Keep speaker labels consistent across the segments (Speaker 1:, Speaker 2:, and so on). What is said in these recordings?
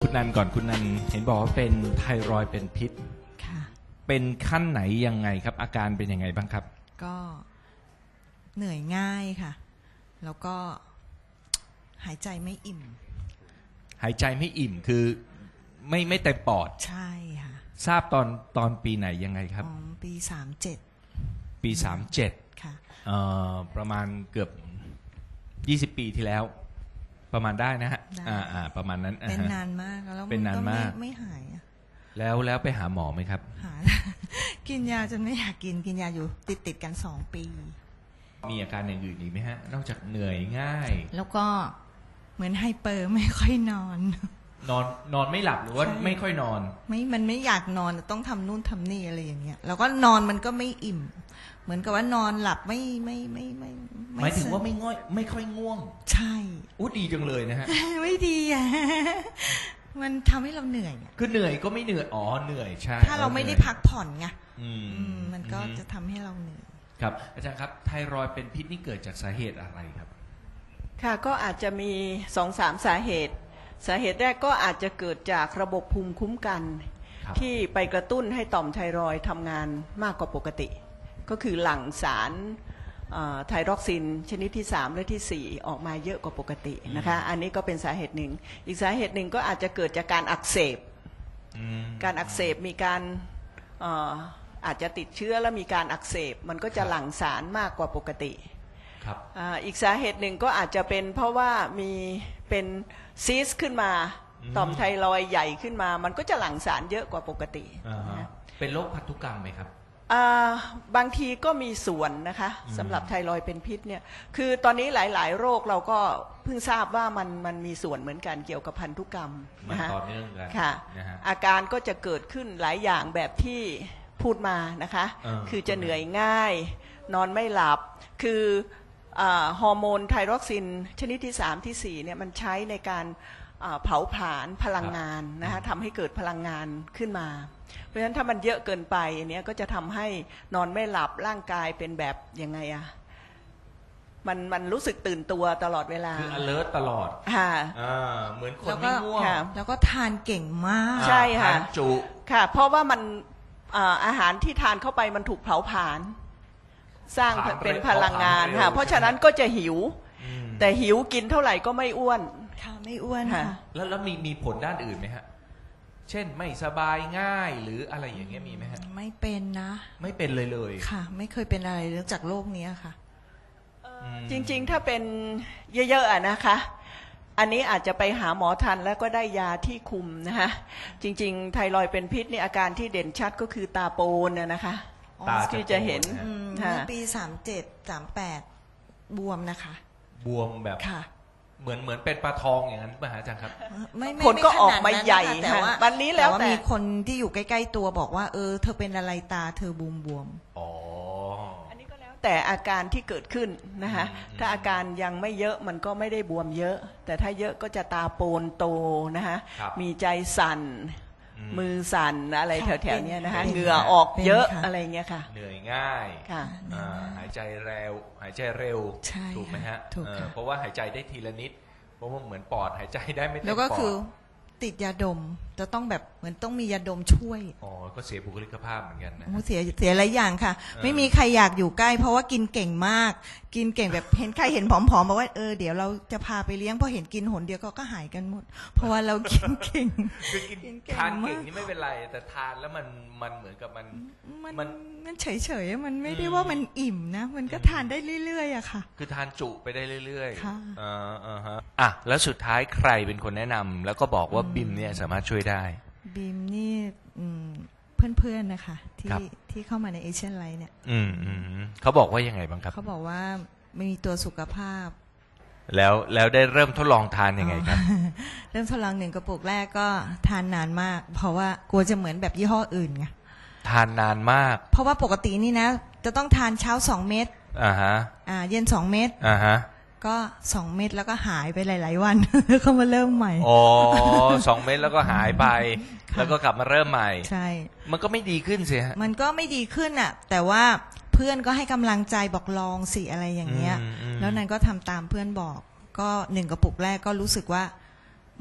Speaker 1: คุณนันก่อนคุณนันเห็นบอกว่าเป็นไทรอยด์เป็นพิษ
Speaker 2: ค่ะ
Speaker 1: เป็นขั้นไหนยังไงครับอาการเป็นยังไงบ้างครับ
Speaker 2: ก็เหนื่อยง่ายค่ะแล้วก็หายใจไม่อิ่ม
Speaker 1: หายใจไม่อิ่มคือไม่เต็มปอด
Speaker 2: ใช่ค่ะ
Speaker 1: ทราบตอนปีไหนยังไงครับ
Speaker 2: ปี37
Speaker 1: ปี37
Speaker 2: ค่ะ
Speaker 1: ประมาณเกือบ20ปีที่แล้วประมาณได้นะฮะประมาณนั้น
Speaker 2: เป็นนานมากแล้ว
Speaker 1: เป็นนานมาก
Speaker 2: ไม่หาย
Speaker 1: แล้วไปหาหมอไหมครับ
Speaker 2: หา กินยาจนไม่อยากกินยาอยู่ติดกัน2 ปี
Speaker 1: มีอาการอย่างอื่นอีกไหมฮะนอกจากเหนื่อยง่าย
Speaker 2: แล้วก็เหมือนไฮเปอร์ไม่ค่อยนอน
Speaker 1: ไม่หลับหรือว่าไม่ค่อยนอน
Speaker 2: มันไม่อยากนอนต้องทำนู่นทำนี่อะไรอย่างเงี้ยแล้วก็นอนมันก็ไม่อิ่มเหมือนกับว่านอนหลับไม่
Speaker 1: หมายถึงว่าไม่ค่อยง่วง
Speaker 2: ใช่
Speaker 1: อู้ดีจังเลยนะฮะ
Speaker 2: ไม่ดีอ่ะมันทำให้เราเหนื่อย
Speaker 1: คือเหนื่อยก็ไม่เหนื่อยเหนื่อยใช่
Speaker 2: ถ้าเราไม่ได้พักผ่อนไงมันก็จะทำให้เราเหนื่อย
Speaker 1: ครับอาจารย์ครับไทรอยด์เป็นพิษนี่เกิดจากสาเหตุอะไรครับ
Speaker 3: ค่ะก็อาจจะมี 2-3 สาเหตุแรกก็อาจจะเกิดจากระบบภูมิคุ้มกันที่ไปกระตุ้นให้ต่อมไทรอยด์ทำงานมากกว่าปกติก็คือหลั่งสารไทรอกซินชนิดที่3และที่4ออกมาเยอะกว่าปกตินะคะอันนี้ก็เป็นสาเหตุหนึ่งอีกสาเหตุหนึ่งก็อาจจะเกิดจากการอักเสบมีการอาจจะติดเชื้อแล้วมีการอักเสบมันก็จะหลั่งสารมากกว่าปกติอีกสาเหตุหนึ่งก็อาจจะเป็นเพราะว่ามีเป็นซีสขึ้นมาต่อมไทรอยด์ใหญ่ขึ้นมามันก็จะหลั่งสารเยอะกว่าปกติ
Speaker 1: เป็นโรคพันธุกรรมไหมครับ
Speaker 3: บางทีก็มีส่วนนะคะสำหรับไทรอยด์เป็นพิษเนี่ยคือตอนนี้หลายๆโรคเราก็เพิ่งทราบว่ามันมีส่วนเหมือนกันเกี่ยวกับพันธุกรรม
Speaker 1: นะคะต่อเนื่องกัน
Speaker 3: ค่ะอาการก็จะเกิดขึ้นหลายอย่างแบบที่พูดมานะคะคือจะเหนื่อยง่ายนอนไม่หลับคือฮอร์โมนไทรอกซินชนิดที่3ที่4เนี่ยมันใช้ในการเผาผลาญพลังงานนะคะทำให้เกิดพลังงานขึ้นมาเพราะฉะนั้นถ้ามันเยอะเกินไปอันนี้ก็จะทำให้นอนไม่หลับร่างกายเป็นแบบยังไงอะมันรู้สึกตื่นตัวตลอดเวลา
Speaker 1: คือ alert ตลอด
Speaker 3: ค่ะ
Speaker 1: เหมือนคนไม่ง่วง
Speaker 2: แล้วก็ทานเก่งมาก
Speaker 3: ใช่ค่ะ
Speaker 1: ทานจุ
Speaker 3: ค่ะเพราะว่ามันอาหารที่ทานเข้าไปมันถูกเผาผลาญสร้างเป็นพลังงานค่ะเพราะฉะนั้นก็จะหิวแต่หิวกินเท่าไหร่ก็ไม่อ้วน
Speaker 2: ค่ะไม่อ้วนค่ะ
Speaker 1: แล้วมีผลด้านอื่นไหมฮะเช่นไม่สบายง่ายหรืออะไรอย่างเงี้ยมีไหมฮะ
Speaker 2: ไม่เป็นนะ
Speaker 1: ไม่เป็นเลย
Speaker 2: ค่ะไม่เคยเป็นอะไรเรื่องจากโรคนี้ค่ะ
Speaker 3: จริงๆถ้าเป็นเยอะๆนะคะอันนี้อาจจะไปหาหมอทันแล้วก็ได้ยาที่คุมนะคะจริงๆไทรอยด์เป็นพิษนี่อาการที่เด่นชัดก็คือตาโปนนะคะที่จะเห็น
Speaker 2: เมื่อปี37-38บวมนะคะ
Speaker 1: บวมแบบเหมือนเป็นปลาทองอย่างนั้นป่ะฮะอาจารย์ครับ
Speaker 3: ผลก็ออกมาใหญ่แต่ว่าวันนี้แล้วแต่
Speaker 2: มีคนที่อยู่ใกล้ๆตัวบอกว่าเธอเป็นอะไรตาเธอบวม
Speaker 3: อันนี้ก็แล้วแต่อาการที่เกิดขึ้นนะคะถ้าอาการยังไม่เยอะมันก็ไม่ได้บวมเยอะแต่ถ้าเยอะก็จะตาโปนโตนะคะมีใจสั่นมือสั่นอะไรแถวๆนี้นะคะเหงื่อออกเยอะอะไรเงี้ยค่ะ
Speaker 1: เหนื่อยง่ายหายใจเร็วถูกไหมฮะเพราะว่าหายใจได้ทีละนิดเพราะว่าเหมือนปอดหายใจได้ไม่เต็มปอด
Speaker 2: แล้วก็คือติดยาดมจะต้องแบบเหมือนต้องมียาดมช่วย
Speaker 1: ก็เสียบุคลิกภาพเหมือนกันนะ
Speaker 2: เสียหลายอย่างค่ะไม่มีใครอยากอยู่ใกล้เพราะว่ากินเก่งมากกินเก่งแบบเห็นใครเห็นผอมๆบอกว่าเดี๋ยวเราจะพาไปเลี้ยงพอเห็นกินหนเดียวก็หายกันหมดเพราะว่าเรากินเก่ง
Speaker 1: คือกินทานเก่งนี่ไม่เป็นไรแต่ทานแล้วมันเหมือนกับ
Speaker 2: มันเฉยๆมันไม่ได้ว่ามันอิ่มนะมันก็ทานได้เรื่อยๆอะค่ะ
Speaker 1: คือทานจุไปได้เรื่อยๆค่ะแล้วสุดท้ายใครเป็นคนแนะนำแล้วก็บอกว่าบิมเนี่ยสามารถช่วยได้
Speaker 2: บิมนี่เพื่อนๆนะคะที่เข้ามาในเอเชียนไลท์เนี่ย
Speaker 1: เขาบอกว่ายังไงบ้างครับ
Speaker 2: เขาบอกว่าไม่มีตัวสุขภาพ
Speaker 1: แล้วได้เริ่มทดลองทานยังไงครับ
Speaker 2: เริ่มทดลอง1 กระปุกแรกก็ทานนานมากเพราะว่ากลัวจะเหมือนแบบยี่ห้ออื่นไง
Speaker 1: ทานนานมาก
Speaker 2: เพราะว่าปกตินี่นะจะต้องทานเช้า2 เม็ดเย็น2 เม็ดก็2 เม็ดแล้วก็หายไปหลายๆวันก็มาเริ่มใหม่
Speaker 1: 2 เม็ดแล้วก็หายไปแล้วก็กลับมาเริ่มใหม่
Speaker 2: ใช่
Speaker 1: มันก็ไม่ดีขึ้นสิฮะ
Speaker 2: มันก็ไม่ดีขึ้นอ่ะแต่ว่าเพื่อนก็ให้กำลังใจบอกลองสิอะไรอย่างเงี้ยแล้วนั้นก็ทำตามเพื่อนบอกก็1 กระปุกแรกก็รู้สึกว่า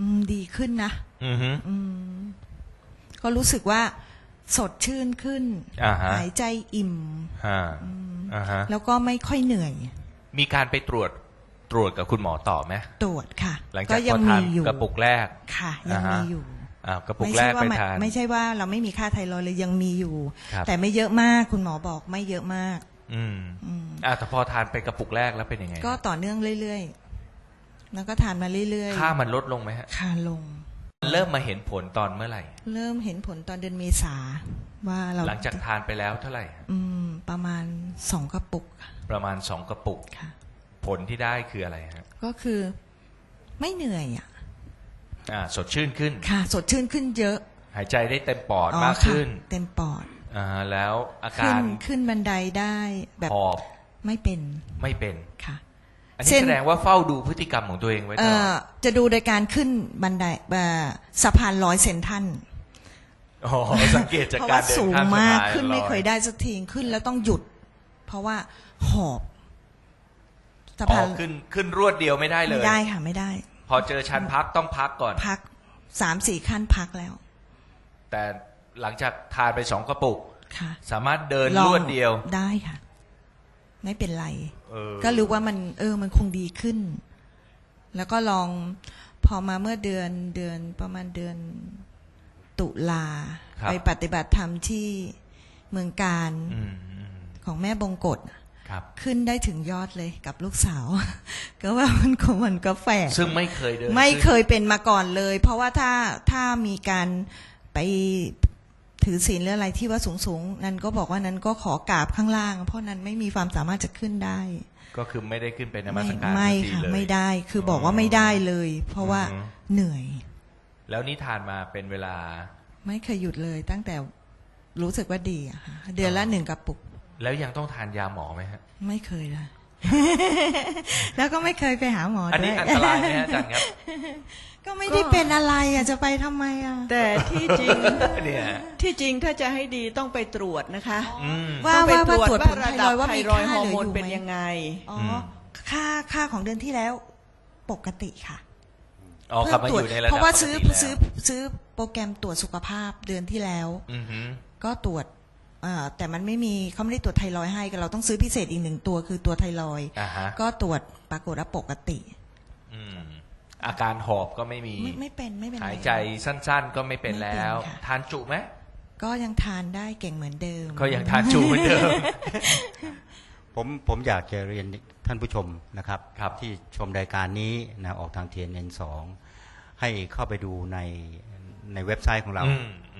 Speaker 2: ดีขึ้นนะ
Speaker 1: อือฮึ
Speaker 2: ก็รู้สึกว่าสดชื่นขึ้น หายใจอิ่ม
Speaker 1: ฮะ
Speaker 2: แล้วก็ไม่ค่อยเหนื่อย
Speaker 1: มีการไปตรวจกับคุณหมอต่อไหม
Speaker 2: ตรวจค่ะ
Speaker 1: หลัง
Speaker 2: ก็
Speaker 1: จาก
Speaker 2: ยั
Speaker 1: พอทาน
Speaker 2: มีอยู่
Speaker 1: กระปุกแรก
Speaker 2: ค่ะยังมีอยู่
Speaker 1: กระปุกแรกไปทาน
Speaker 2: ไม่ใช่ว่าเราไม่มีค่าไทรอยด์เลยยังมีอยู่
Speaker 1: ครับ
Speaker 2: แต่ไม่เยอะมากคุณหมอบอกไม่เยอะมาก
Speaker 1: แต่พอทานไปกระปุกแรกแล้วเป็นยังไง
Speaker 2: ก็ต่อเนื่องเรื่อยๆแล้วก็ทานมาเรื่อยๆ
Speaker 1: ค่ามันลดลงไหมฮะ
Speaker 2: ค่าลง
Speaker 1: เริ่มมาเห็นผลตอนเมื่อไหร่
Speaker 2: เริ่มเห็นผลตอนเดือนเมษาว่าเรา
Speaker 1: หลังจากทานไปแล้วเท่าไหร่
Speaker 2: ประมาณ2 กระปุก
Speaker 1: ประมาณ2กระปุก
Speaker 2: ค่ะ
Speaker 1: ผลที่ได้คืออะไรฮะ
Speaker 2: ก็คือไม่เหนื่อยอ่ะ
Speaker 1: สดชื่นขึ้น
Speaker 2: ค่ะ สดชื่นขึ้นเยอะ
Speaker 1: หายใจได้เต็มปอด
Speaker 2: อ๋อ
Speaker 1: มาก
Speaker 2: ค่ะ
Speaker 1: ขึ้น
Speaker 2: เต็มปอด
Speaker 1: แล้วอา
Speaker 2: ขึ้
Speaker 1: กาน ร
Speaker 2: ขึ้นบันไดได้แบบ
Speaker 1: หอบ
Speaker 2: ไม่เป็น
Speaker 1: ไม่เป็น
Speaker 2: ค่ะ
Speaker 1: อันนี้
Speaker 2: เช่น
Speaker 1: แสดงว่าเฝ้าดูพฤติกรรมของตัวเองไว้ตลอด
Speaker 2: จะดูโดยการขึ้นบันไดสะพาน100 เซนทัน
Speaker 1: สังเกตจาก
Speaker 2: เพราะ
Speaker 1: การ
Speaker 2: ว่า
Speaker 1: เดิน
Speaker 2: สูง
Speaker 1: ข้ามสะ
Speaker 2: มาก
Speaker 1: พาน
Speaker 2: ขึ้นไม่เคย
Speaker 1: ลอ
Speaker 2: ได้สักทีขึ้นแล้วต้องหยุด เพราะว่าหอบสะพาน
Speaker 1: ขึ้นรวดเดียวไม่ได้เลย
Speaker 2: ไม่ได้ค่ะไม่ได้
Speaker 1: พอเจอชั้นพักต้องพักก่อน
Speaker 2: พัก3-4 ขั้นพักแล้ว
Speaker 1: แต่หลังจากทานไป2กระปุก
Speaker 2: ค่ะ
Speaker 1: สามารถเดิน
Speaker 2: ลอง
Speaker 1: รวดเดียว
Speaker 2: ได้ค่ะ ไม่เป็นไร
Speaker 1: เออ
Speaker 2: ก็รู้ว่ามันคงดีขึ้น แล้วก็ลองพอมาเมื่อเดือนประมาณเดือนตุลา
Speaker 1: ครับ
Speaker 2: ไปปฏิบัติธรรมที่เมืองการ
Speaker 1: อืม
Speaker 2: ของแม่บงกฎ
Speaker 1: ครับ
Speaker 2: ขึ้นได้ถึงยอดเลยกับลูกสาว ก็ว่ามันก็แฝง
Speaker 1: ซึ่งไม่เคยเดิน
Speaker 2: ไม่เค
Speaker 1: ขึ้น
Speaker 2: ยเป็นมาก่อนเลย เพราะว่าถ้ามีการไปถือศีลหรืออะไรที่ว่าสูงนั้นก็บอกว่านั้นก็ขอกราบข้างล่าง เพราะนั้นไม่มีความสามารถจะขึ้นได้
Speaker 1: ก็คือไม่ได้ขึ้นไปนมัสการ
Speaker 2: ไม่
Speaker 1: สักที
Speaker 2: ค่ะ
Speaker 1: เลย
Speaker 2: ไม่ได้คือบอกว่าไม่ได้เลย เพราะว่าเหนื่อย
Speaker 1: แล้วนี่ทานมาเป็นเวลา
Speaker 2: ไม่เคยหยุดเลย ตั้งแต่รู้สึกว่าดีอะค่ะเดือนละ1 กระปุก
Speaker 1: แล้วยังต้องทานยาหมอไหมฮะ
Speaker 2: ไม่เคยเลย แล้วก็ไม่เคยไปหาหมอ
Speaker 1: อัน
Speaker 2: ด้
Speaker 1: นี้
Speaker 2: วย
Speaker 1: อันตรายไหมฮะอาจารย์ครับ
Speaker 2: ก็ไม่ได้เป็นอะไรอะจะไปทำไมอะ
Speaker 3: แต่ที่จริง
Speaker 1: เนี่ย
Speaker 3: ที่จริงถ้าจะให้ดีต้องไปตรวจนะคะ
Speaker 2: ว่า
Speaker 3: ต้องไป
Speaker 2: ว่าตรวจผล
Speaker 3: ระ
Speaker 2: ไท
Speaker 3: ดั
Speaker 2: ร
Speaker 3: บ
Speaker 2: อยด์ว่า
Speaker 3: ไท
Speaker 2: มี
Speaker 3: รอยด์
Speaker 2: ค่า
Speaker 3: ฮอ
Speaker 2: เห
Speaker 3: ร์
Speaker 2: ลื
Speaker 3: โม
Speaker 2: อน อยู่
Speaker 3: เป็น
Speaker 2: ไหม
Speaker 3: ยังไง
Speaker 2: อ๋อค่าของเดือนที่แล้วปกติค่ะ
Speaker 1: กลับมาอยู่ในระดับ
Speaker 2: เพราะว่า
Speaker 1: ปก
Speaker 2: ซื้อ
Speaker 1: ติแล้ว
Speaker 2: ซื้อโปรแกรมตรวจสุขภาพเดือนที่แล้ว
Speaker 1: อือฮึ
Speaker 2: ก็ตรวจแต่มันไม่มีเขาไม่ได้ตรวจไทรอยด์ให้เราต้องซื้อพิเศษอีก1 ตัวคือตัวไทรอยด์
Speaker 1: ฮะ
Speaker 2: ก็ตรวจปรากฏว่าปกติ
Speaker 1: อาการหอบก็ไม่มี
Speaker 2: ไม่เป็นไร
Speaker 1: หายใจสั้นๆ ก็ไม่เป็นแล้ว
Speaker 2: ไม่เป็นค่ะ
Speaker 1: ทานจุไหม
Speaker 2: ก็ยังทานได้เก่งเหมือนเดิม
Speaker 1: ก็ยังทานจุเหมือนเดิม
Speaker 4: ผมอยากจะเรียนท่านผู้ชมนะครับ
Speaker 1: ครับ
Speaker 4: ที่ชมรายการนี้นะออกทาง TNN2 ให้เข้าไปดูในเว็บไซต์ของเรา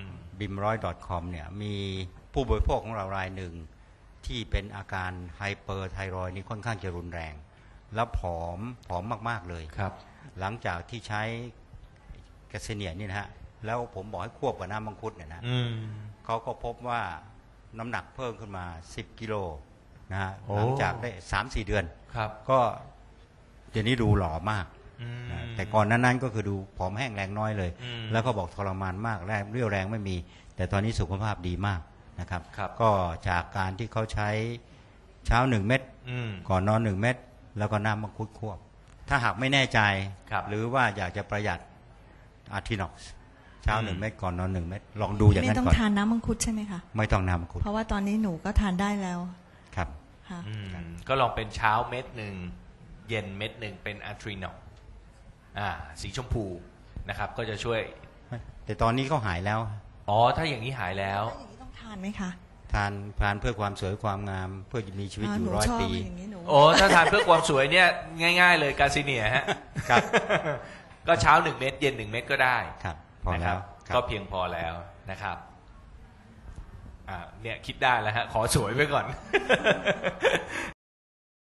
Speaker 4: bimroy.com เนี่ยมีผู้บริโภคของเรารายหนึ่งที่เป็นอาการไฮเปอร์ไทรอยด์นี่ค่อนข้างจะรุนแรง แล้วผอมมากๆเลย
Speaker 1: ครับ
Speaker 4: หลังจากที่ใช้แกสเซเนียนี่นะฮะแล้วผมบอกให้ควบกับน้ำมังคุดเนี่ยนะ เขาก็พบว่าน้ำหนักเพิ่มขึ้นมา10 กิโลนะฮะ
Speaker 1: โอ้
Speaker 4: หลังจากได้ 3-4 เดือน
Speaker 1: ครับ
Speaker 4: ก็เดี๋ยวนี้ดูหล่อมากนะแต่ก่อนนั้นก็คือดูผอมแห้งแรงน้อยเลย แล้วก็บอกทรมานมากแรงเรี่ยวแรงไม่มี แต่ตอนนี้สุขภาพดีมากนะครับ
Speaker 1: ครับ
Speaker 4: ก็จากการที่เขาใช้เช้า1 เม็ด ก่อนนอน 1 เม็ดแล้วก็น้ำมังคุดควบ ถ้าหากไม่แน่ใจ
Speaker 1: ครับ
Speaker 4: หรือว่าอยากจะประหยัดอาร์ทินอกซ์เช้า1 เม็ดก่อนนอน1 เม็ดลองดูอย่าง
Speaker 2: ไม่
Speaker 4: นั้น
Speaker 2: ต้อง
Speaker 4: ก่อน
Speaker 2: ทานน้ำมังคุดใช่ไหมคะ
Speaker 4: ไม่ต้องน้ำมังคุด
Speaker 2: เพราะว่าตอนนี้หนูก็ทานได้แล้ว
Speaker 4: ครับ
Speaker 2: ค่ะ
Speaker 1: ก็ลองเป็นเช้าเม็ดหนึ่งเย็นเม็ดหนึ่งเป็นอะทรีนอลสีชมพูนะครับ ก็จะช่วย
Speaker 4: แต่ตอนนี้ก็หายแล้ว
Speaker 1: ถ้าอย่างนี้หายแล้ว
Speaker 2: แล้วอย่างนี้ต้องทานไหมคะ
Speaker 4: ทานเพื่อความสวยความงามเพื่อมีชีวิตอยู่
Speaker 2: หนู
Speaker 4: 100
Speaker 2: ชอบ
Speaker 4: ปี
Speaker 2: อย่างนี้หนู
Speaker 1: ถ้าทานเพื่อความสวยเนี่ยง่ายๆเลยกาซิเนียฮะ
Speaker 4: ครับ
Speaker 1: ก็เช้า1 เม็ดเย็น1 เม็ดก็ได้
Speaker 4: ครับพอ
Speaker 1: นะค
Speaker 4: แล้
Speaker 1: รั
Speaker 4: ว
Speaker 1: บ
Speaker 4: ครับ
Speaker 1: ก็เพียงพอแล้วนะครับเนี่ยคิดได้แล้วฮะขอสวยไว้ก่อน